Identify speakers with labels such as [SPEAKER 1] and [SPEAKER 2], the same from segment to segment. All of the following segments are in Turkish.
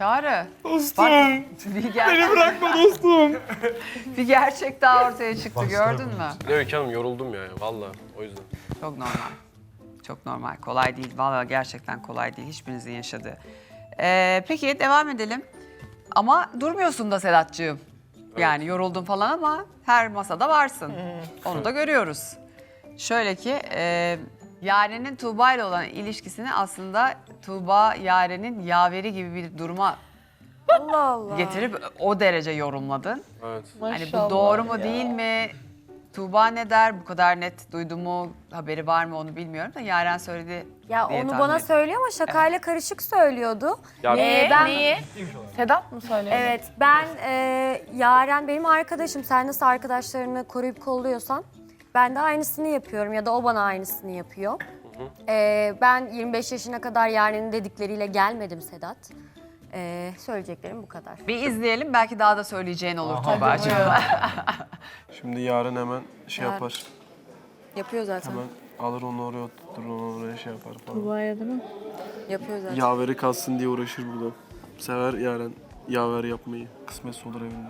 [SPEAKER 1] Çağrı.
[SPEAKER 2] Dostum.
[SPEAKER 1] Beni
[SPEAKER 2] bırakma dostum.
[SPEAKER 1] Bir gerçek daha ortaya çıktı, gördün mü?
[SPEAKER 3] Öykü Hanım yoruldum ya valla o yüzden.
[SPEAKER 1] Çok normal. Çok normal. Kolay değil. Vallahi gerçekten kolay değil. Hiçbirinizin yaşadığı. Peki devam edelim. Ama durmuyorsun da Sedat'cığım. Yani yoruldun falan ama her masada varsın. Onu da görüyoruz. Şöyle ki Yaren'in Tuğba ile olan ilişkisini aslında Tuğba Yaren'in yaveri gibi bir duruma
[SPEAKER 4] Allah Allah.
[SPEAKER 1] getirip o derece yorumladın.
[SPEAKER 3] Evet.
[SPEAKER 1] Hani bu doğru mu değil mi? Tuğba ne der? Bu kadar net duydu mu? Haberi var mı onu bilmiyorum da Yaren söyledi
[SPEAKER 4] Ya
[SPEAKER 1] diye
[SPEAKER 4] onu
[SPEAKER 1] tahmin
[SPEAKER 4] bana
[SPEAKER 1] ettim.
[SPEAKER 4] söylüyor ama şakayla karışık söylüyordu.
[SPEAKER 3] Ya,
[SPEAKER 4] Ben
[SPEAKER 5] Sedat mı söylüyor?
[SPEAKER 4] evet ben Yaren benim arkadaşım. Sen nasıl arkadaşlarını koruyup kolluyorsan ben de aynısını yapıyorum ya da o bana aynısını yapıyor. Ben 25 yaşına kadar Yaren'in dedikleriyle gelmedim Sedat. Söyleyeceklerim bu kadar.
[SPEAKER 1] Bir izleyelim belki daha da söyleyeceğin olur Tuğba'cığım.
[SPEAKER 2] Şimdi yarın hemen şey
[SPEAKER 4] Yarın.
[SPEAKER 2] yapar.
[SPEAKER 4] Yapıyor zaten.
[SPEAKER 2] Hemen alır onu oraya oturtur, onu oraya şey yapar falan.
[SPEAKER 5] Tuğba'ya değil mi?
[SPEAKER 4] Yapıyor zaten.
[SPEAKER 2] Yaveri kalsın diye uğraşır burada. Sever Yaren yaver yapmayı. Kısmetse olur evinde.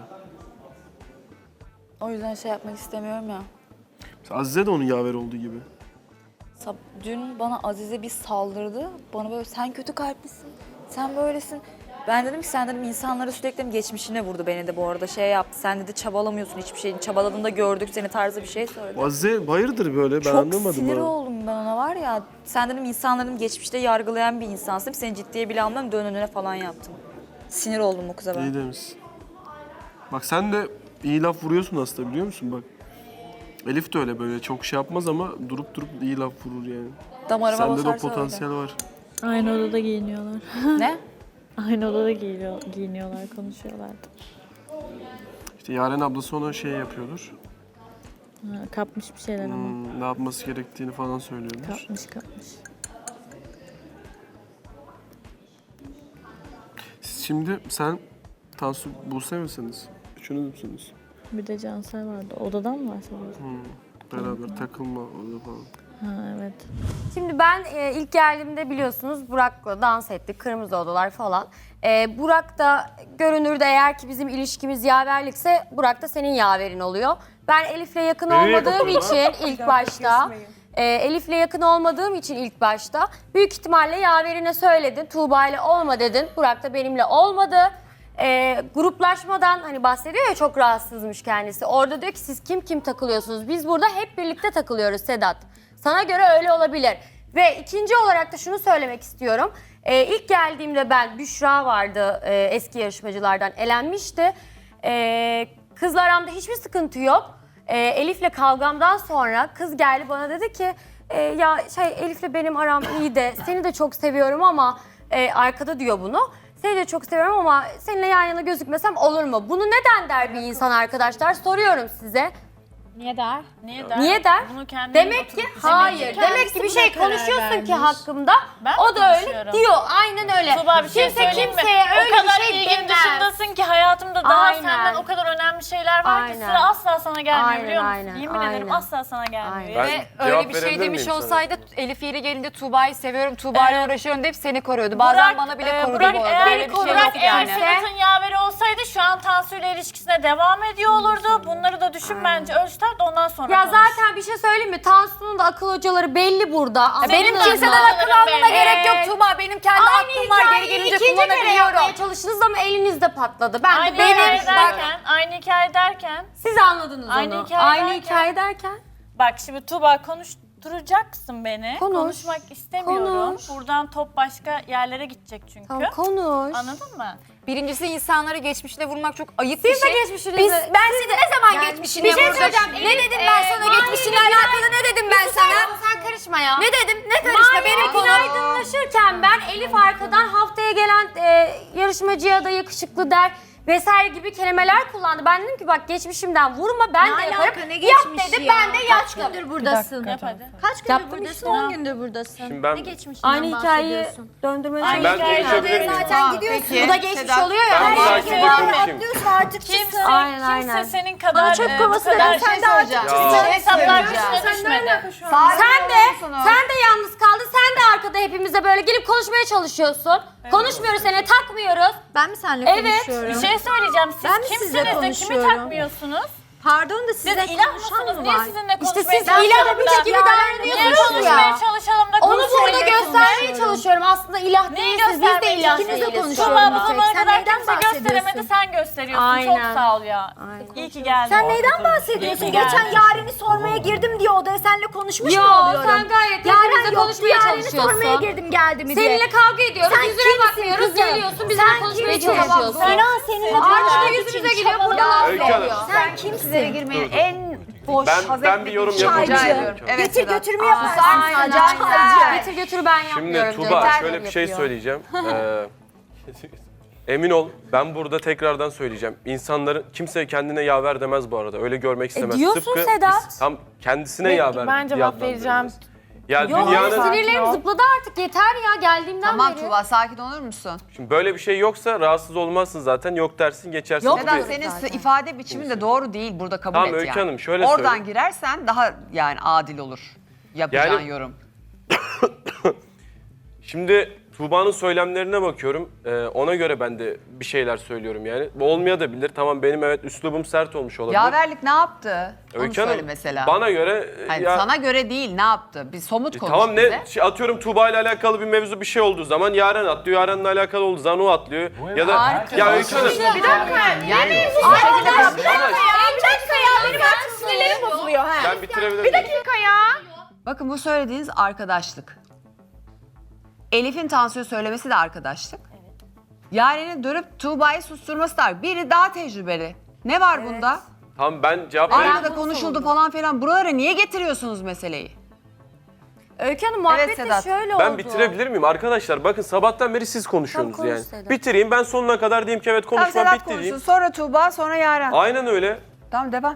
[SPEAKER 5] O yüzden şey yapmak istemiyorum ya.
[SPEAKER 2] Mesela Azize de onun yaver olduğu gibi.
[SPEAKER 5] Dün bana Azize bir saldırdı. Bana böyle sen kötü kalplisin, sen böylesin. Ben dedim ki sen dedim insanları sürekli geçmişine vurdu beni de bu arada şey yaptı. Sen dedi çabalamıyorsun hiçbir şeyin. Çabaladığında gördük seni tarzı bir şey söyledi.
[SPEAKER 2] O Azize hayırdır böyle ben
[SPEAKER 5] Çok
[SPEAKER 2] anlamadım.
[SPEAKER 5] sinir
[SPEAKER 2] ha.
[SPEAKER 5] oldum ben ona var ya. Sen dedim insanların geçmişte yargılayan bir insansın. Seni ciddiye bile almam dön önüne falan yaptım. Sinir oldum o kıza ben.
[SPEAKER 2] İyi demişsin. Bak sen de iyi laf vuruyorsun aslında biliyor musun bak. Elif de öyle böyle çok şey yapmaz ama durup durup iyi laf vurur yani.
[SPEAKER 5] Damarıma
[SPEAKER 2] Sende de o
[SPEAKER 5] basarsa
[SPEAKER 2] potansiyel var.
[SPEAKER 6] Aynı odada giyiniyorlar.
[SPEAKER 5] öyle. Ne?
[SPEAKER 6] Aynı odada giyiniyorlar, konuşuyorlardı.
[SPEAKER 2] İşte Yaren ablası ona şey yapıyordur.
[SPEAKER 6] Ha, kapmış bir şeyler ama.
[SPEAKER 2] Ne yapması gerektiğini falan söylüyordur.
[SPEAKER 6] Kapmış.
[SPEAKER 2] Siz şimdi sen Tansu Buse misiniz? Üçünüz müsünüz?
[SPEAKER 6] Bir de Cansel vardı. Odadan mı bahsediyorsun?
[SPEAKER 2] Beraber takılma orada falan.
[SPEAKER 6] Ha evet.
[SPEAKER 4] Şimdi ben ilk geldiğimde biliyorsunuz Burak'la dans ettik. Kırmızı odalar falan. Burak da görünürde eğer ki bizim ilişkimiz yaverlikse Burak da senin yaverin oluyor. Ben Elif'le yakın olmadığım için ilk başta Elif'le yakın olmadığım için ilk başta büyük ihtimalle yaverine söyledin. Tuğba ile olma dedin. Burak da benimle olmadı. Gruplaşmadan hani bahsediyor ya çok rahatsızmış kendisi. Orada diyor ki siz kim takılıyorsunuz? Biz burada hep birlikte takılıyoruz Sedat. Sana göre öyle olabilir. Ve ikinci olarak da şunu söylemek istiyorum. İlk geldiğimde ben Büşra vardı eski yarışmacılardan elenmişti. Kızla aramda hiçbir sıkıntı yok. Elif'le kavgamdan sonra kız geldi bana dedi ki ya Elif'le benim aram iyi de seni de çok seviyorum ama arkada diyor bunu. Seni de çok seviyorum ama seninle yan yana gözükmesem olur mu? Bunu neden der bir insan arkadaşlar? Soruyorum size.
[SPEAKER 7] Niye der?
[SPEAKER 4] Niye der?
[SPEAKER 7] Bunu kendim
[SPEAKER 4] Demek ki hayır. Demek ki bir şey konuşuyorsun ki hakkımda.
[SPEAKER 7] Ben
[SPEAKER 4] O
[SPEAKER 7] mi
[SPEAKER 4] da öyle
[SPEAKER 7] konuşuyorum?
[SPEAKER 4] diyor. Aynen öyle.
[SPEAKER 7] Tuğba bir şey
[SPEAKER 4] Kimse
[SPEAKER 7] söyleyeyim mi?
[SPEAKER 4] kimseye öyle
[SPEAKER 7] o kadar
[SPEAKER 4] bir şey
[SPEAKER 7] ilgin
[SPEAKER 4] demez.
[SPEAKER 7] dışındasın ki hayatımda daha
[SPEAKER 4] Aynen.
[SPEAKER 7] senden o kadar önemli şeyler var ki
[SPEAKER 4] Aynen.
[SPEAKER 7] sıra asla sana gelmiyor
[SPEAKER 4] Aynen,
[SPEAKER 7] biliyor musun?
[SPEAKER 4] aynen,
[SPEAKER 7] Yemin
[SPEAKER 4] aynen.
[SPEAKER 7] ederim asla sana gelmiyor.
[SPEAKER 4] Aynen.
[SPEAKER 3] Ben
[SPEAKER 8] Ve
[SPEAKER 3] cevap
[SPEAKER 8] öyle bir şey
[SPEAKER 3] verebilir
[SPEAKER 8] demiş
[SPEAKER 3] miyim sana?
[SPEAKER 8] olsaydı Elif yeri gelince Tuğba'yı seviyorum, Tuğba'yla uğraşıyorum deyip seni koruyordu. Bazen bana bile korudu
[SPEAKER 7] Burak,
[SPEAKER 8] bu arada.
[SPEAKER 7] eğer,
[SPEAKER 8] Öyle bir şey
[SPEAKER 7] Burak
[SPEAKER 8] yok
[SPEAKER 7] eğer
[SPEAKER 8] yani.
[SPEAKER 7] Sedat'ın yaveri olsaydı şu an Tansu ile ilişkisine devam ediyor olurdu. Bunları da düşün bence ölçtart ondan sonra
[SPEAKER 4] Ya
[SPEAKER 7] konuş.
[SPEAKER 4] zaten bir şey söyleyeyim mi? Tansu'nun da akıl hocaları belli burada.
[SPEAKER 8] Benim
[SPEAKER 4] Anladınız
[SPEAKER 8] kimseden
[SPEAKER 4] mı?
[SPEAKER 8] akıl almama gerek yok Tuğba. Benim kendi aklım var. Geri gelince
[SPEAKER 4] ikinci kere
[SPEAKER 8] kullanabiliyorum.
[SPEAKER 4] yapmaya çalıştınız ama elinizde patladı. Ben
[SPEAKER 7] Aynı
[SPEAKER 4] de benim.
[SPEAKER 7] hikaye
[SPEAKER 4] Bak,
[SPEAKER 7] derken, aynı hikaye derken
[SPEAKER 4] siz anladınız
[SPEAKER 7] Aynı
[SPEAKER 4] onu.
[SPEAKER 7] hikaye
[SPEAKER 4] Aynı
[SPEAKER 7] derken-
[SPEAKER 4] hikaye derken.
[SPEAKER 7] bak şimdi Tuğba konuşturacaksın beni.
[SPEAKER 4] Konuş.
[SPEAKER 7] Konuşmak istemiyorum.
[SPEAKER 4] Konuş.
[SPEAKER 7] Buradan top başka yerlere gidecek çünkü.
[SPEAKER 4] Tamam konuş.
[SPEAKER 7] Anladın mı?
[SPEAKER 8] Birincisi insanları geçmişine vurmak çok ayıp bir
[SPEAKER 4] Siz de
[SPEAKER 8] şey.
[SPEAKER 4] geçmişinizi.
[SPEAKER 8] Ben seni ne zaman geçmişine
[SPEAKER 4] bir şey
[SPEAKER 8] vurdum?
[SPEAKER 4] söyleyeceğim.
[SPEAKER 8] Ne dedim ben sana geçmişinle alakalı ne dedim ben sana?
[SPEAKER 4] Sen karışma ya.
[SPEAKER 8] Ne dedim? Ne karışma benim konum.
[SPEAKER 4] Aydınlaşırken ben Elif arkadan haftaya gelen yarışmacıya da yakışıklı der vesaire gibi kelimeler kullandı. Ben dedim ki bak geçmişimden vurma ben de yaparım. Yap dedi ben de yaptım.
[SPEAKER 5] buradasın.
[SPEAKER 7] Yap hadi.
[SPEAKER 5] Kaç gündür buradasın? 10 gündür buradasın.
[SPEAKER 3] Şimdi ben,
[SPEAKER 4] Aynı hikayeyi döndürmeye
[SPEAKER 7] Aynı
[SPEAKER 4] çalışıyorum.
[SPEAKER 7] hikayeyi
[SPEAKER 3] konuşabilir miyim?
[SPEAKER 4] Zaten gidiyorsun. Bu da geçmiş oluyor ya.
[SPEAKER 3] Ben bu
[SPEAKER 4] Her
[SPEAKER 3] sakin
[SPEAKER 4] şey
[SPEAKER 3] bir
[SPEAKER 4] var.
[SPEAKER 3] konuşayım.
[SPEAKER 7] Kimse,
[SPEAKER 4] Aynen,
[SPEAKER 7] kimse
[SPEAKER 4] aynen.
[SPEAKER 7] senin kadar
[SPEAKER 5] çöp kovası
[SPEAKER 7] bu kadar
[SPEAKER 5] dedin, sen de artık
[SPEAKER 3] Ya.
[SPEAKER 7] hesaplar üstüne düşmedi.
[SPEAKER 4] Sen de yalnız kaldın. Sen de arkada hepimize böyle gelip konuşmaya çalışıyorsun. Konuşmuyoruz seni takmıyoruz.
[SPEAKER 9] Ben mi seninle
[SPEAKER 7] Evet,
[SPEAKER 9] konuşuyorum?
[SPEAKER 7] bir şey söyleyeceğim. Siz
[SPEAKER 9] Ben mi sizle
[SPEAKER 7] kimsiniz de kimi
[SPEAKER 9] konuşuyorum?
[SPEAKER 7] takmıyorsunuz?
[SPEAKER 9] Pardon da
[SPEAKER 7] Siz
[SPEAKER 9] sizle
[SPEAKER 7] ilah
[SPEAKER 9] konuşan
[SPEAKER 7] mısınız?
[SPEAKER 9] mı
[SPEAKER 7] Niye
[SPEAKER 9] var?
[SPEAKER 7] sizinle
[SPEAKER 4] İşte
[SPEAKER 7] konuşmaya
[SPEAKER 4] siz
[SPEAKER 7] çalışalım
[SPEAKER 4] ilahmış
[SPEAKER 7] da?
[SPEAKER 4] gibi
[SPEAKER 7] Niye
[SPEAKER 4] davranıyorsunuz
[SPEAKER 7] konuşmaya
[SPEAKER 4] ya.
[SPEAKER 7] çalışalım da
[SPEAKER 4] Onu burada
[SPEAKER 7] konuşmayı
[SPEAKER 4] göstermeye
[SPEAKER 7] konuşuyoruz?
[SPEAKER 4] çalışıyorum. Aslında ilah
[SPEAKER 7] Neyi
[SPEAKER 4] değilsiniz, biz de
[SPEAKER 7] göstermeye
[SPEAKER 4] ilah
[SPEAKER 7] çalışıyorsun?
[SPEAKER 4] değiliz.
[SPEAKER 9] konuşuyorum
[SPEAKER 7] Tuğba
[SPEAKER 9] bir
[SPEAKER 7] bu
[SPEAKER 9] tek.
[SPEAKER 7] zamana
[SPEAKER 9] Sen
[SPEAKER 7] kadar
[SPEAKER 9] neyden
[SPEAKER 7] kimse gösteremedi,
[SPEAKER 9] bahsediyorsun?
[SPEAKER 7] sen gösteriyorsun. Çok
[SPEAKER 9] Aynen.
[SPEAKER 7] sağ ol ya. İyi ki geldin.
[SPEAKER 9] Sen neyden bahsediyorsun?
[SPEAKER 7] İyi ki
[SPEAKER 9] Geçen
[SPEAKER 7] geldin.
[SPEAKER 9] Yaren'i sormaya girdim diye odaya seninle konuşmuş
[SPEAKER 4] Yo,
[SPEAKER 9] mu oluyorum?
[SPEAKER 4] sen gayet
[SPEAKER 9] Yaren
[SPEAKER 4] hepimizle
[SPEAKER 9] yoktu,
[SPEAKER 4] konuşmaya
[SPEAKER 9] Yaren'i
[SPEAKER 4] çalışıyorsun.
[SPEAKER 9] sormaya girdim geldi mi diye.
[SPEAKER 4] Seninle kavga ediyoruz,
[SPEAKER 9] Sen
[SPEAKER 4] yüzüne
[SPEAKER 9] kimsin
[SPEAKER 4] bakmıyoruz,
[SPEAKER 9] kızım?
[SPEAKER 4] geliyorsun, bizimle
[SPEAKER 9] Sen
[SPEAKER 4] konuşmaya
[SPEAKER 9] kimsin?
[SPEAKER 4] çalışıyorsun.
[SPEAKER 9] İnan seninle
[SPEAKER 4] Arkada
[SPEAKER 9] konuşmak
[SPEAKER 4] yüzümüze
[SPEAKER 9] için
[SPEAKER 4] geliyor, burada
[SPEAKER 9] çabalıyor.
[SPEAKER 4] laf
[SPEAKER 3] Öykü Hanım.
[SPEAKER 4] veriyor.
[SPEAKER 9] Sen kimsin?
[SPEAKER 1] girmeyin en boş,
[SPEAKER 3] Ben bir yorum yapabilir
[SPEAKER 1] Rica
[SPEAKER 3] miyim?
[SPEAKER 1] ediyorum. Evet,
[SPEAKER 9] Getir
[SPEAKER 1] Sedat.
[SPEAKER 9] götürme yaparsın.
[SPEAKER 4] Aynen,
[SPEAKER 9] Çaycı.
[SPEAKER 4] aynen. Getir götür ben
[SPEAKER 3] Şimdi
[SPEAKER 4] yapmıyorum.
[SPEAKER 3] Tuğba
[SPEAKER 4] diyor.
[SPEAKER 3] şöyle bir şey
[SPEAKER 4] Yapıyor.
[SPEAKER 3] söyleyeceğim. Emin ol ben burada tekrardan söyleyeceğim. İnsanların kimse kendine yaver demez bu arada. Öyle görmek istemez.
[SPEAKER 4] diyorsun Sedat.
[SPEAKER 3] biz tam kendisine yaver.
[SPEAKER 7] Ben cevap vereceğim.
[SPEAKER 3] Ya
[SPEAKER 4] Yok,
[SPEAKER 3] dünyanın
[SPEAKER 4] sinirlerim zıpladı artık, yeter ya, geldiğimden
[SPEAKER 1] Tamam
[SPEAKER 4] beri.
[SPEAKER 1] Tuğba, sakin olur musun?
[SPEAKER 3] şimdi böyle bir şey yoksa rahatsız olmazsın zaten. Yok dersin geçersin.
[SPEAKER 4] Yok
[SPEAKER 3] Bu
[SPEAKER 1] Sedat,
[SPEAKER 3] bir-
[SPEAKER 1] senin ifade biçimin de doğru değil. Burada kabul
[SPEAKER 3] Tamam,
[SPEAKER 1] et
[SPEAKER 3] Öykü
[SPEAKER 1] yani.
[SPEAKER 3] Hanım, şöyle
[SPEAKER 1] Oradan
[SPEAKER 3] söyleyeyim.
[SPEAKER 1] girersen daha yani adil olur yapacağın
[SPEAKER 3] Yani-
[SPEAKER 1] yorum.
[SPEAKER 3] Şimdi Tuğba'nın söylemlerine bakıyorum. Ona göre ben de bir şeyler söylüyorum yani. Bu olmayabilir. Tamam benim evet üslubum sert olmuş olabilir.
[SPEAKER 1] Yaverlik ne yaptı? Onu
[SPEAKER 3] Öykü
[SPEAKER 1] söyle
[SPEAKER 3] Hanım,
[SPEAKER 1] mesela.
[SPEAKER 3] bana göre
[SPEAKER 1] Hani
[SPEAKER 3] ya,
[SPEAKER 1] sana göre değil, ne yaptı? Bir somut konuş
[SPEAKER 3] tamam
[SPEAKER 1] bize.
[SPEAKER 3] ne atıyorum Tuğba ile alakalı bir mevzu bir şey olduğu zaman Yaren atlıyor. Yaren'le alakalı olduğu zaman o atlıyor. Ya da ya Öykü Hanım.
[SPEAKER 1] Yani
[SPEAKER 3] Ben bitirebilir miyim?
[SPEAKER 1] bakın bu söylediğiniz arkadaşlık. Elif'in Tansu'ya söylemesi de arkadaşlık. Yaren'in dönüp Tuğba'yı susturması da. Biri daha tecrübeli. Ne var bunda?
[SPEAKER 3] Tamam ben cevap vereyim.
[SPEAKER 1] Arkada konuşuldu falan filan. Buralara niye getiriyorsunuz meseleyi?
[SPEAKER 4] Öykü Hanım, muhabbet de
[SPEAKER 1] Sedat.
[SPEAKER 4] şöyle oldu.
[SPEAKER 3] Ben bitirebilir miyim arkadaşlar? Bakın sabahtan beri siz konuşuyorsunuz
[SPEAKER 4] Tamam, konuş
[SPEAKER 3] yani.
[SPEAKER 4] Sedat.
[SPEAKER 3] Bitireyim ben sonuna kadar diyeyim ki evet
[SPEAKER 1] Tamam,
[SPEAKER 3] konuşmam
[SPEAKER 1] Sedat
[SPEAKER 3] bitti
[SPEAKER 1] konuşsun.
[SPEAKER 3] diyeyim.
[SPEAKER 1] Sonra Tuğba, sonra Yaren.
[SPEAKER 3] Aynen öyle.
[SPEAKER 1] Tamam, devam.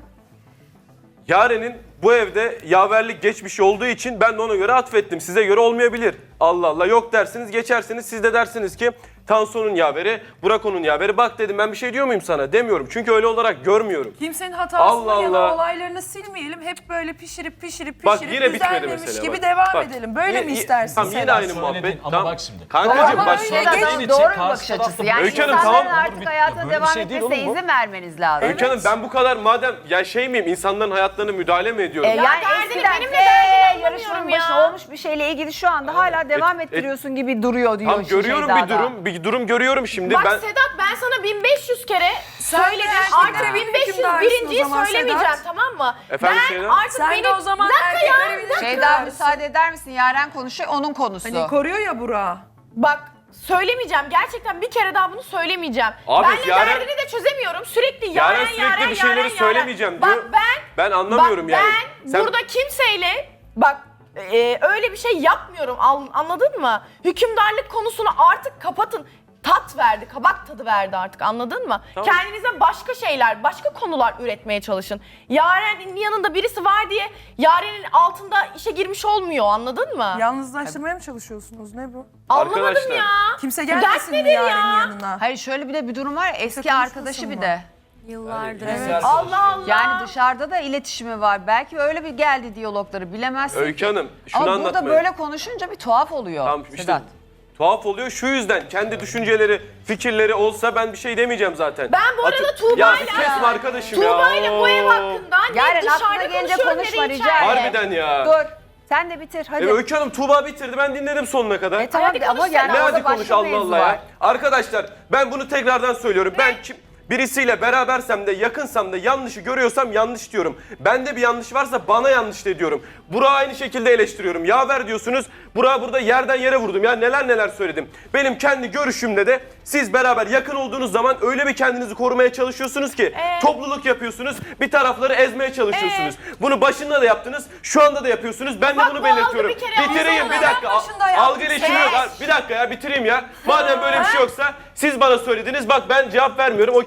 [SPEAKER 3] Yaren'in bu evde yaverlik geçmişi olduğu için ben de ona göre atfettim. Size göre olmayabilir. Allah Allah yok dersiniz geçersiniz. Siz de dersiniz ki Tansu'nun yaveri, Burak onun yaveri. Bak dedim ben bir şey diyor muyum sana? Demiyorum. Çünkü öyle olarak görmüyorum.
[SPEAKER 10] Kimsenin hatasını
[SPEAKER 3] Allah
[SPEAKER 10] ya da
[SPEAKER 3] Allah.
[SPEAKER 10] olaylarını silmeyelim. Hep böyle pişirip
[SPEAKER 3] Bak yine bitmedi
[SPEAKER 10] düzenlemiş
[SPEAKER 3] mesela.
[SPEAKER 10] gibi
[SPEAKER 3] bak.
[SPEAKER 10] devam
[SPEAKER 3] Bak,
[SPEAKER 10] edelim. Böyle mi
[SPEAKER 3] yine-
[SPEAKER 10] istersin
[SPEAKER 3] Tamam yine
[SPEAKER 10] Sedat?
[SPEAKER 3] aynı muhabbet.
[SPEAKER 11] Ama
[SPEAKER 3] Tamam.
[SPEAKER 11] bak şimdi.
[SPEAKER 3] Kankacığım bak.
[SPEAKER 1] Doğru bir bakış açısı. Yani
[SPEAKER 3] Öykü Hanım,
[SPEAKER 1] insanların
[SPEAKER 3] tamam.
[SPEAKER 1] artık hayatına
[SPEAKER 11] Böyle bir
[SPEAKER 1] devam
[SPEAKER 11] şey değil
[SPEAKER 1] etmesine
[SPEAKER 11] oğlum bu.
[SPEAKER 1] izin vermeniz lazım.
[SPEAKER 3] Öykü Hanım ben bu kadar madem ya şey miyim insanların hayatlarına müdahale mi ediyorum?
[SPEAKER 1] Yani eskiden yarışmanın başında olmuş bir şeyle ilgili şu anda hala devam ettiriyorsun gibi duruyor diyor.
[SPEAKER 3] Tamam görüyorum bir durum görüyorum şimdi.
[SPEAKER 12] Bak
[SPEAKER 3] Ben
[SPEAKER 12] Sedat ben sana 1500 kere
[SPEAKER 10] Sen de
[SPEAKER 12] söyledim.
[SPEAKER 10] gerçekten
[SPEAKER 12] Artık
[SPEAKER 10] benim
[SPEAKER 12] 1500
[SPEAKER 10] hükümdarsın
[SPEAKER 12] birinciyi
[SPEAKER 10] o zaman
[SPEAKER 12] söylemeyeceğim
[SPEAKER 10] Sedat.
[SPEAKER 12] tamam mı?
[SPEAKER 3] Efendim
[SPEAKER 12] ben
[SPEAKER 3] Şeyda?
[SPEAKER 12] artık
[SPEAKER 10] Sen
[SPEAKER 12] benim...
[SPEAKER 10] de o zaman
[SPEAKER 12] Bir dakika ya,
[SPEAKER 10] erkeklere bir dakika.
[SPEAKER 1] Şeyda müsaade eder misin? Yaren konuşuyor, onun konusu.
[SPEAKER 10] Hani koruyor ya Burak'ı.
[SPEAKER 12] Bak söylemeyeceğim. Gerçekten bir kere daha bunu söylemeyeceğim.
[SPEAKER 3] Abi,
[SPEAKER 12] Benle
[SPEAKER 3] Yaren-
[SPEAKER 12] derdini de çözemiyorum. Sürekli
[SPEAKER 3] Yaren sürekli bir şeyleri söylemeyeceğim diyor.
[SPEAKER 12] Bak
[SPEAKER 3] Ben anlamıyorum
[SPEAKER 12] bak,
[SPEAKER 3] yani.
[SPEAKER 12] ben
[SPEAKER 3] Sen-
[SPEAKER 12] burada kimseyle bak öyle bir şey yapmıyorum. Anladın mı? Hükümdarlık konusunu artık kapatın. Tat verdi, kabak tadı verdi artık anladın mı?
[SPEAKER 3] Tamam.
[SPEAKER 12] Kendinize başka şeyler, başka konular üretmeye çalışın. Yaren'in yanında birisi var diye Yaren'in altında işe girmiş olmuyor anladın mı?
[SPEAKER 10] Yalnızlaştırmaya mı çalışıyorsunuz? Ne bu?
[SPEAKER 12] Anlamadım
[SPEAKER 3] Arkadaşlar.
[SPEAKER 12] ya.
[SPEAKER 10] Kimse
[SPEAKER 12] dert
[SPEAKER 10] gelmesin mi
[SPEAKER 12] nedir ya?
[SPEAKER 10] Yaren'in yanına?
[SPEAKER 1] Hayır şöyle bir de bir durum var ya, eski
[SPEAKER 10] konuşmasın
[SPEAKER 1] arkadaşı bir
[SPEAKER 10] mı?
[SPEAKER 1] de.
[SPEAKER 4] Yıllardır.
[SPEAKER 12] Allah Allah.
[SPEAKER 1] Yani dışarıda da iletişimi var. Belki öyle bir geldi diyalogları bilemezsin.
[SPEAKER 3] Öykü Hanım şunu
[SPEAKER 1] Ama
[SPEAKER 3] anlatmaya.
[SPEAKER 1] burada böyle konuşunca bir tuhaf oluyor.
[SPEAKER 3] Tamam işte
[SPEAKER 1] Sedat.
[SPEAKER 3] tuhaf oluyor şu yüzden kendi düşünceleri, fikirleri olsa ben bir şey demeyeceğim zaten.
[SPEAKER 12] Ben bu arada
[SPEAKER 3] Ya
[SPEAKER 12] Tuğba'yla-
[SPEAKER 3] bir kesme arkadaşım ya.
[SPEAKER 12] Tuğba'yla bu ev hakkında ne
[SPEAKER 1] Yaren aklına
[SPEAKER 12] dışarıda
[SPEAKER 1] gelince
[SPEAKER 12] konuşuyorum
[SPEAKER 1] konuşma
[SPEAKER 12] ne de
[SPEAKER 1] rica
[SPEAKER 12] içeride.
[SPEAKER 1] ederim.
[SPEAKER 3] Harbiden ya.
[SPEAKER 1] Dur. Sen de bitir hadi.
[SPEAKER 3] Öykü Hanım Tuğba bitirdi ben dinledim sonuna kadar.
[SPEAKER 1] Tamam
[SPEAKER 12] Hadi
[SPEAKER 1] ama
[SPEAKER 12] konuş
[SPEAKER 1] yani
[SPEAKER 12] sen.
[SPEAKER 3] Ne
[SPEAKER 1] orada
[SPEAKER 3] hadi konuş
[SPEAKER 1] başka
[SPEAKER 3] Allah
[SPEAKER 1] mevzu
[SPEAKER 3] Allah
[SPEAKER 1] var.
[SPEAKER 3] ya. Arkadaşlar ben bunu tekrardan söylüyorum. Ben birisiyle berabersem de yakınsam da yanlışı görüyorsam yanlış diyorum. Bende bir yanlış varsa bana yanlış de diyorum. Burak'ı aynı şekilde eleştiriyorum. Yaver diyorsunuz. Burak'ı burada yerden yere vurdum. Ya neler neler söyledim. Benim kendi görüşümde de siz beraber yakın olduğunuz zaman öyle bir kendinizi korumaya çalışıyorsunuz ki topluluk yapıyorsunuz. Bir tarafları ezmeye çalışıyorsunuz. Bunu başında da yaptınız. Şu anda da yapıyorsunuz. Ben de
[SPEAKER 12] Bak,
[SPEAKER 3] bunu
[SPEAKER 12] bu
[SPEAKER 3] belirtiyorum.
[SPEAKER 12] algı bir kere
[SPEAKER 3] Bitireyim
[SPEAKER 12] olsana.
[SPEAKER 3] bir dakika.
[SPEAKER 10] başında yaptım.
[SPEAKER 3] Algı ilişkimi yok. Bir dakika ya bitireyim ya. Madem böyle bir şey yoksa siz bana söylediniz. Bak ben cevap vermiyorum. Okey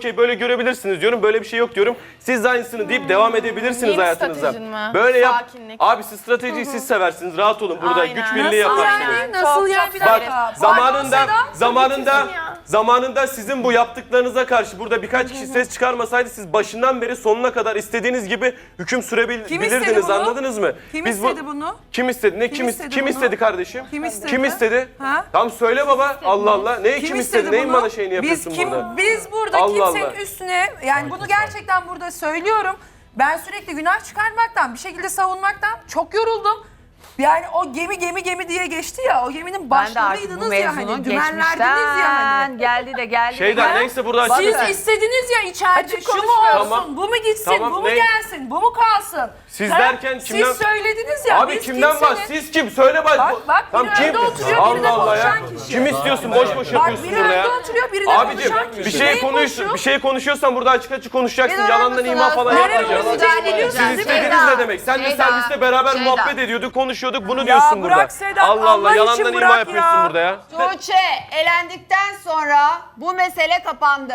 [SPEAKER 3] şey böyle görebilirsiniz diyorum. Böyle bir şey yok diyorum. Siz de aynısını deyip devam edebilirsiniz
[SPEAKER 12] Yeni
[SPEAKER 3] hayatınıza.
[SPEAKER 12] stratejin mi?
[SPEAKER 3] Böyle yap.
[SPEAKER 12] Sakinlik.
[SPEAKER 3] Abi siz stratejiyi siz seversiniz. Rahat olun. Burada
[SPEAKER 12] Aynen.
[SPEAKER 3] güç birliği
[SPEAKER 10] Nasıl
[SPEAKER 3] yaparsınız.
[SPEAKER 10] yani? Nasıl
[SPEAKER 12] Çok,
[SPEAKER 10] yani?
[SPEAKER 12] çok
[SPEAKER 10] Bir
[SPEAKER 3] Bak
[SPEAKER 10] dakika.
[SPEAKER 3] zamanında sizin bu yaptıklarınıza karşı burada birkaç kişi ses çıkarmasaydı siz başından beri sonuna kadar istediğiniz gibi hüküm
[SPEAKER 10] Kim istedi
[SPEAKER 3] sürebilirdiniz,
[SPEAKER 10] bunu?
[SPEAKER 3] anladınız mı?
[SPEAKER 10] Kim
[SPEAKER 3] Biz
[SPEAKER 10] istedi bunu?
[SPEAKER 3] Kim istedi? Ne
[SPEAKER 10] Kim istedi bunu?
[SPEAKER 3] istedi kardeşim?
[SPEAKER 10] Kim istedi?
[SPEAKER 3] Kim istedi?
[SPEAKER 10] Ha?
[SPEAKER 3] Tamam söyle baba. Allah Allah. Neyi kim istedi? Neyin
[SPEAKER 10] bunu?
[SPEAKER 3] bana şeyini yapıyorsun burada?
[SPEAKER 10] Biz burada
[SPEAKER 3] Allah
[SPEAKER 10] kimsenin
[SPEAKER 3] Allah.
[SPEAKER 10] üstüne, yani bunu gerçekten burada söylüyorum. Ben sürekli günah çıkarmaktan, bir şekilde savunmaktan çok yoruldum. Yani o gemi diye geçti ya, o geminin
[SPEAKER 1] Ben de artık bu
[SPEAKER 10] başlarıydınız ya hani,
[SPEAKER 1] mevzunun
[SPEAKER 10] dümenlerdiniz ya hani.
[SPEAKER 1] geldi de geldi.
[SPEAKER 3] Şeyden neyse burada
[SPEAKER 10] Siz
[SPEAKER 3] açıklasın.
[SPEAKER 10] istediniz ya içeride
[SPEAKER 12] Açık
[SPEAKER 10] şu mu
[SPEAKER 12] konuşmuyoruz.
[SPEAKER 10] olsun, bu mu gitsin,
[SPEAKER 3] Tamam,
[SPEAKER 10] bu mu
[SPEAKER 3] ne?
[SPEAKER 10] gelsin, bu mu kalsın.
[SPEAKER 3] Siz
[SPEAKER 10] Ha?
[SPEAKER 3] derken kimden-
[SPEAKER 10] Siz söylediniz ya.
[SPEAKER 3] Abi
[SPEAKER 10] biz
[SPEAKER 3] kimden
[SPEAKER 10] kimsenin-
[SPEAKER 3] var? Siz kim? Söyle bak.
[SPEAKER 10] Bak,
[SPEAKER 3] Tamam
[SPEAKER 10] biri
[SPEAKER 3] kim?
[SPEAKER 10] önde oturuyor, biri de
[SPEAKER 3] Allah Allah ya.
[SPEAKER 10] konuşan kişi.
[SPEAKER 3] Kim istiyorsun? Boş boş
[SPEAKER 10] Bak
[SPEAKER 3] yapıyorsun
[SPEAKER 10] biri
[SPEAKER 3] burada ya.
[SPEAKER 10] önde oturuyor, biri de
[SPEAKER 3] Abicim
[SPEAKER 10] konuşan kişi.
[SPEAKER 3] bir şey
[SPEAKER 10] Neyi
[SPEAKER 3] konuşuyorsun. Bir şey konuşuyorsan burada açık açık konuşacaksın. Yalandan ima falan
[SPEAKER 10] Nereye
[SPEAKER 3] yapmayacaksın.
[SPEAKER 10] konuşacağız biliyorsunuz
[SPEAKER 3] Siz
[SPEAKER 10] değil mi?
[SPEAKER 3] istediğiniz ne demek? Sen de serviste beraber muhabbet ediyorduk, konuşuyorduk. Bunu diyorsun burada.
[SPEAKER 10] bırak Sedat,
[SPEAKER 3] Allah Allah
[SPEAKER 10] Allah için
[SPEAKER 3] yalandan ima
[SPEAKER 10] bırak
[SPEAKER 3] yapıyorsun
[SPEAKER 10] ya.
[SPEAKER 3] burada ya.
[SPEAKER 1] Tuğçe elendikten sonra bu mesele kapandı.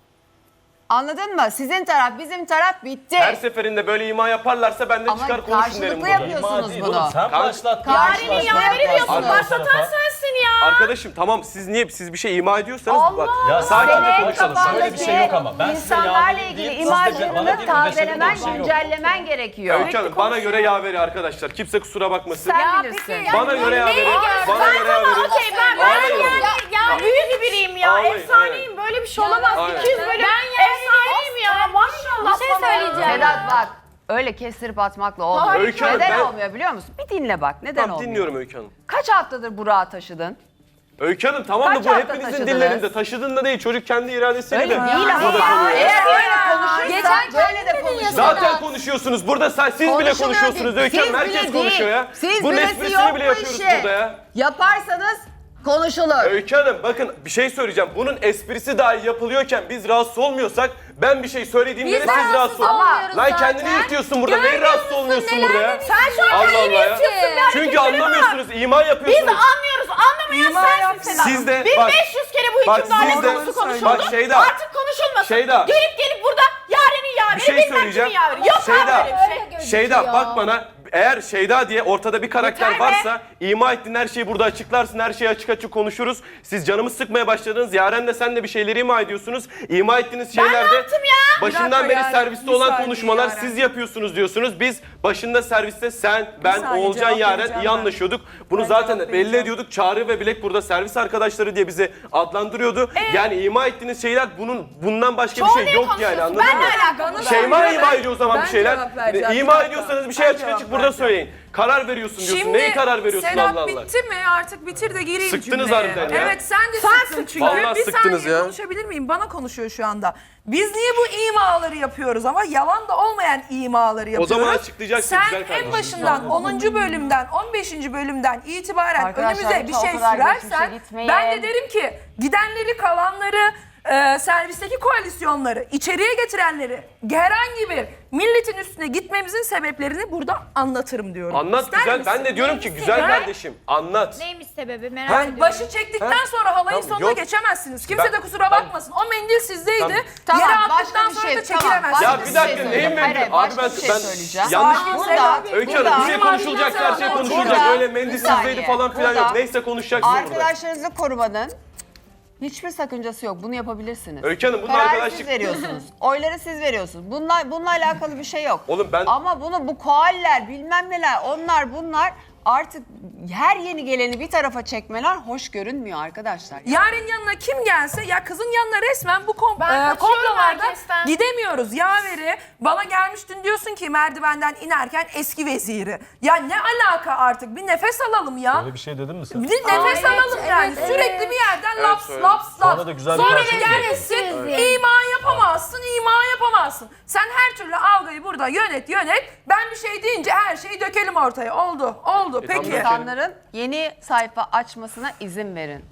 [SPEAKER 1] Anladın mı? Sizin taraf, bizim taraf bitti.
[SPEAKER 3] Her seferinde böyle ima yaparlarsa ben de
[SPEAKER 1] Ama
[SPEAKER 3] çıkar konuşun derim
[SPEAKER 1] karşılıklı
[SPEAKER 3] burada.
[SPEAKER 1] yapıyorsunuz bunu.
[SPEAKER 11] Sen başlattın.
[SPEAKER 1] Karşılıklı yapıyorsunuz.
[SPEAKER 12] Başlatan sensin ya.
[SPEAKER 3] Arkadaşım tamam siz bir şey ima ediyorsanız bak.
[SPEAKER 11] Ya
[SPEAKER 3] Sakince
[SPEAKER 11] sakin
[SPEAKER 3] konuşalım.
[SPEAKER 11] Böyle bir şey yok ama. Ben size
[SPEAKER 1] İnsanlarla
[SPEAKER 11] yağ
[SPEAKER 1] ilgili
[SPEAKER 11] vereyim deyip siz de bana
[SPEAKER 1] imajlarını
[SPEAKER 11] gelin beşe
[SPEAKER 1] tazelemen,
[SPEAKER 11] bir şey yok.
[SPEAKER 1] güncellemen gerekiyor.
[SPEAKER 3] Öykü Hanım bana göre yaveri arkadaşlar. Kimse kusura bakmasın.
[SPEAKER 1] Sen bilirsin.
[SPEAKER 3] Bana göre yaveri. Bana göre yaveri.
[SPEAKER 12] Okey ben
[SPEAKER 3] Ağlayın.
[SPEAKER 12] ya büyük biriyim ya.
[SPEAKER 3] Ağlayın,
[SPEAKER 12] Efsaneyim. Böyle bir şey olamaz.
[SPEAKER 3] Aynen.
[SPEAKER 12] 200 bölüm efsaneyim ya. Maşallah.
[SPEAKER 4] Bir şey söyleyeceğim.
[SPEAKER 1] Sedat bak, öyle kestirip atmakla olmuyor.
[SPEAKER 3] Öykü Hanım,
[SPEAKER 1] Neden
[SPEAKER 3] ben-
[SPEAKER 1] olmuyor biliyor musun? Bir dinle bak, neden
[SPEAKER 3] Tamam
[SPEAKER 1] olmuyor?
[SPEAKER 3] dinliyorum Öykü Hanım.
[SPEAKER 1] Kaç haftadır Burak'ı taşıdın?
[SPEAKER 3] Öykü Hanım tamam da
[SPEAKER 1] Kaç
[SPEAKER 3] bu
[SPEAKER 1] hafta
[SPEAKER 3] hepinizin
[SPEAKER 1] taşıdınız?
[SPEAKER 3] dillerinde. Taşıdığında değil. Çocuk kendi iradesiyle
[SPEAKER 1] Öyle
[SPEAKER 3] de
[SPEAKER 1] değil ama.
[SPEAKER 3] burada konuşuyor.
[SPEAKER 1] Eğer öyle konuşursa böyle de konuşur.
[SPEAKER 3] Zaten konuşuyorsunuz. Burada siz bile
[SPEAKER 1] Konuşuluyor
[SPEAKER 3] konuşuyorsunuz
[SPEAKER 1] değil.
[SPEAKER 3] Öykü Hanım.
[SPEAKER 1] Siz
[SPEAKER 3] Herkes
[SPEAKER 1] bile
[SPEAKER 3] konuşuyor
[SPEAKER 1] değil.
[SPEAKER 3] ya.
[SPEAKER 1] Siz
[SPEAKER 3] Bunun
[SPEAKER 1] bilesi
[SPEAKER 3] esprisini
[SPEAKER 1] yok
[SPEAKER 3] bile
[SPEAKER 1] bu
[SPEAKER 3] yapıyoruz
[SPEAKER 1] işi.
[SPEAKER 3] burada ya.
[SPEAKER 1] Yaparsanız konuşulur.
[SPEAKER 3] Öykü Hanım bakın bir şey söyleyeceğim. Bunun esprisi dahi yapılıyorken biz rahatsız olmuyorsak ben bir şey söylediğimde de siz rahatsız olun. Lan kendini yırtıyorsun burada. Neyi rahatsız olmuyorsun burada ya?
[SPEAKER 12] Sen şu an
[SPEAKER 3] Allah
[SPEAKER 12] kendini
[SPEAKER 3] Allah ya.
[SPEAKER 12] yırtıyorsun.
[SPEAKER 3] Çünkü anlamıyorsunuz. İman
[SPEAKER 12] Biz
[SPEAKER 3] yapıyorsunuz.
[SPEAKER 12] anlıyoruz. Anlamayan sensin Sedat.
[SPEAKER 3] Siz de
[SPEAKER 12] 1500 kere bu
[SPEAKER 3] bak
[SPEAKER 12] hükümdarlık
[SPEAKER 3] siz de
[SPEAKER 12] konusu konuşuldu.
[SPEAKER 3] bak Şeyda.
[SPEAKER 12] Artık konuşulmasın.
[SPEAKER 3] Şeyda.
[SPEAKER 12] Gelip burada yarenin yaveri,
[SPEAKER 3] Bir şey
[SPEAKER 12] bilmem
[SPEAKER 3] söyleyeceğim.
[SPEAKER 12] kimin yaveri. Yok
[SPEAKER 3] Şeyda.
[SPEAKER 12] abi böyle bir şey.
[SPEAKER 3] Şeyda bak bana eğer Şeyda diye ortada bir karakter
[SPEAKER 12] Yeter be.
[SPEAKER 3] varsa ima ettiğin her şeyi burada açıklarsın. Her şeyi açık açık konuşuruz. Siz canımı sıkmaya başladınız. Yaren de sen de bir şeyleri ima ediyorsunuz. İma ettiğiniz şeylerde
[SPEAKER 12] ne yaptım ya?
[SPEAKER 3] başından
[SPEAKER 10] Bir dakika
[SPEAKER 3] beri
[SPEAKER 10] Yaren,
[SPEAKER 3] serviste
[SPEAKER 10] bir
[SPEAKER 3] olan
[SPEAKER 10] saniye
[SPEAKER 3] konuşmalar
[SPEAKER 10] Yaren.
[SPEAKER 3] siz yapıyorsunuz diyorsunuz. Biz başında serviste sen, ben,
[SPEAKER 10] saniye,
[SPEAKER 3] Oğulcan,
[SPEAKER 10] cevap
[SPEAKER 3] Yaren
[SPEAKER 10] vereceğim
[SPEAKER 3] iyi
[SPEAKER 10] ben.
[SPEAKER 3] anlaşıyorduk. Bunu
[SPEAKER 10] Ben
[SPEAKER 3] zaten
[SPEAKER 10] cevap
[SPEAKER 3] belli
[SPEAKER 10] vereceğim.
[SPEAKER 3] ediyorduk. Çağrı ve Bilek burada servis arkadaşları diye bizi adlandırıyordu. Yani ima ettiğiniz şeyler bundan başka bir şey yok yani anladın
[SPEAKER 12] Ben
[SPEAKER 3] mı?
[SPEAKER 12] ne alakalı?
[SPEAKER 3] Şeyma ima ediyor o zaman
[SPEAKER 10] Ben
[SPEAKER 3] bir şeyler.
[SPEAKER 10] cevap vereceğim, bir
[SPEAKER 3] İma
[SPEAKER 10] dakika.
[SPEAKER 3] ediyorsanız bir şey
[SPEAKER 10] Ben
[SPEAKER 3] açık
[SPEAKER 10] cevap
[SPEAKER 3] açık burada
[SPEAKER 10] vereceğim.
[SPEAKER 3] söyleyin. Karar veriyorsun diyorsun.
[SPEAKER 10] Şimdi
[SPEAKER 3] Neyi karar veriyorsun
[SPEAKER 10] Sedat
[SPEAKER 3] Allah Allah?
[SPEAKER 10] bitti mi? Artık bitir de gireyim
[SPEAKER 3] Sıktınız
[SPEAKER 10] cümleye.
[SPEAKER 3] harbiden ya.
[SPEAKER 10] Evet sen de sıktın çünkü.
[SPEAKER 3] Vallahi
[SPEAKER 10] bir
[SPEAKER 3] sıktınız
[SPEAKER 10] saniye
[SPEAKER 3] ya.
[SPEAKER 10] konuşabilir miyim? Bana konuşuyor şu anda. Biz niye bu imaları yapıyoruz ama yalan da olmayan imaları yapıyoruz.
[SPEAKER 3] zaman açıklayacaksın
[SPEAKER 10] Sen
[SPEAKER 3] güzel kardeşim.
[SPEAKER 10] en başından 10. bölümden 15. bölümden itibaren
[SPEAKER 1] Arkadaşlar,
[SPEAKER 10] önümüze bir
[SPEAKER 1] lütfen
[SPEAKER 10] şey
[SPEAKER 1] o kadar
[SPEAKER 10] sürersen
[SPEAKER 1] geçmişe gitmeyin.
[SPEAKER 10] ben de derim ki gidenleri kalanları servisteki koalisyonları, içeriye getirenleri herhangi bir milletin üstüne gitmemizin sebeplerini burada anlatırım diyorum.
[SPEAKER 3] Anlat
[SPEAKER 10] İster
[SPEAKER 3] güzel.
[SPEAKER 10] misin?
[SPEAKER 3] Ben de diyorum ki güzel
[SPEAKER 10] Ha?
[SPEAKER 3] kardeşim anlat.
[SPEAKER 9] Neymiş sebebi merak
[SPEAKER 10] Yani
[SPEAKER 9] ediyorum.
[SPEAKER 10] başı çektikten sonra halayın
[SPEAKER 3] Tamam,
[SPEAKER 10] sonuna
[SPEAKER 3] yok.
[SPEAKER 10] geçemezsiniz. Kimse
[SPEAKER 3] Ben-
[SPEAKER 10] de kusura bakmasın. O mendil sizdeydi.
[SPEAKER 1] Tamam,
[SPEAKER 10] Yere
[SPEAKER 1] başka
[SPEAKER 10] attıktan
[SPEAKER 1] bir
[SPEAKER 10] sonra
[SPEAKER 1] şey,
[SPEAKER 10] da
[SPEAKER 1] tamam,
[SPEAKER 10] çekilemezsiniz.
[SPEAKER 3] Ya bir dakika neyin
[SPEAKER 1] Hayır,
[SPEAKER 3] mendil?
[SPEAKER 1] başka
[SPEAKER 3] Abi
[SPEAKER 1] bir şey söyleyeceğim.
[SPEAKER 3] yanlış.
[SPEAKER 10] Burada,
[SPEAKER 3] Öykü Hanım bir şey
[SPEAKER 1] burada-
[SPEAKER 3] konuşulacaksa her şey
[SPEAKER 10] burada-
[SPEAKER 3] konuşulacak.
[SPEAKER 1] burada-
[SPEAKER 3] Öyle mendil
[SPEAKER 1] bir
[SPEAKER 3] sizdeydi
[SPEAKER 1] saniye.
[SPEAKER 3] falan filan
[SPEAKER 1] Burada-
[SPEAKER 3] yok. Neyse konuşacaksın burada.
[SPEAKER 1] Arkadaşlarınızı korumanın hiçbir sakıncası yok. Bunu yapabilirsiniz.
[SPEAKER 3] Öykü Hanım, bunun
[SPEAKER 1] Kararı
[SPEAKER 3] arkadaşlık-
[SPEAKER 1] siz veriyorsunuz. Oyları siz veriyorsunuz. Bununla alakalı bir şey yok.
[SPEAKER 3] Oğlum ben-
[SPEAKER 1] Ama bu koaller bilmem neler onlar bunlar artık her yeni geleni bir tarafa çekmeler hoş görünmüyor arkadaşlar.
[SPEAKER 10] Yarın yanına kim gelse ya kızın yanına resmen bu
[SPEAKER 12] Ben kaçıyorum
[SPEAKER 10] komplolarda
[SPEAKER 12] herkesten.
[SPEAKER 10] gidemiyoruz. Yaveri bana gelmiştin diyorsun ki merdivenden inerken eski veziri. Ya ne alaka artık bir nefes alalım ya.
[SPEAKER 11] Öyle bir şey dedin mi sen?
[SPEAKER 10] Bir nefes alalım yani. Sürekli bir yerden laps
[SPEAKER 3] söyledim.
[SPEAKER 10] laps
[SPEAKER 11] Sonra
[SPEAKER 10] laps.
[SPEAKER 11] da güzel bir
[SPEAKER 10] Sonra da
[SPEAKER 11] karşılık
[SPEAKER 10] gelmişsin ima yapamazsın, ima yapamazsın. Sen her türlü algıyı burada yönet. Ben bir şey deyince her şeyi dökelim ortaya. Oldu. Peki.
[SPEAKER 3] tamam.
[SPEAKER 1] İnsanların yeni sayfa açmasına izin verin.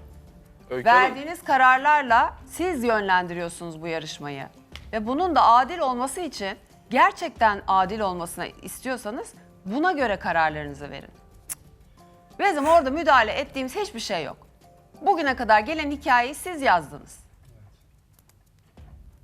[SPEAKER 3] Öykü Hanım,
[SPEAKER 1] Verdiğiniz kararlarla siz yönlendiriyorsunuz bu yarışmayı. Ve bunun da adil olması için gerçekten adil olmasını istiyorsanız buna göre kararlarınızı verin. Bizim orada müdahale ettiğimiz hiçbir şey yok. Bugüne kadar gelen hikayeyi siz yazdınız.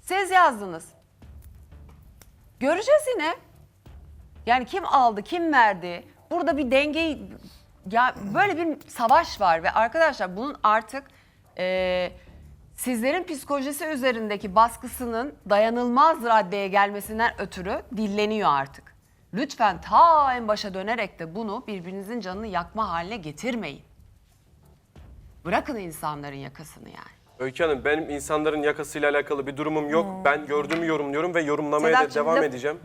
[SPEAKER 1] Siz yazdınız. Göreceğiz yine. Yani kim aldı, kim verdi? Burada bir dengeyi... Ya böyle bir savaş var ve arkadaşlar bunun artık sizlerin psikolojisi üzerindeki baskısının dayanılmaz raddeye gelmesinden ötürü dilleniyor artık. Lütfen ta en başa dönerek de bunu birbirinizin canını yakma haline getirmeyin. Bırakın insanların yakasını yani.
[SPEAKER 3] Öykü Hanım benim insanların yakasıyla alakalı bir durumum yok. Ben gördüğümü yorumluyorum ve yorumlamaya da
[SPEAKER 1] Sedat'cığım,
[SPEAKER 3] devam
[SPEAKER 1] laf-
[SPEAKER 3] edeceğim.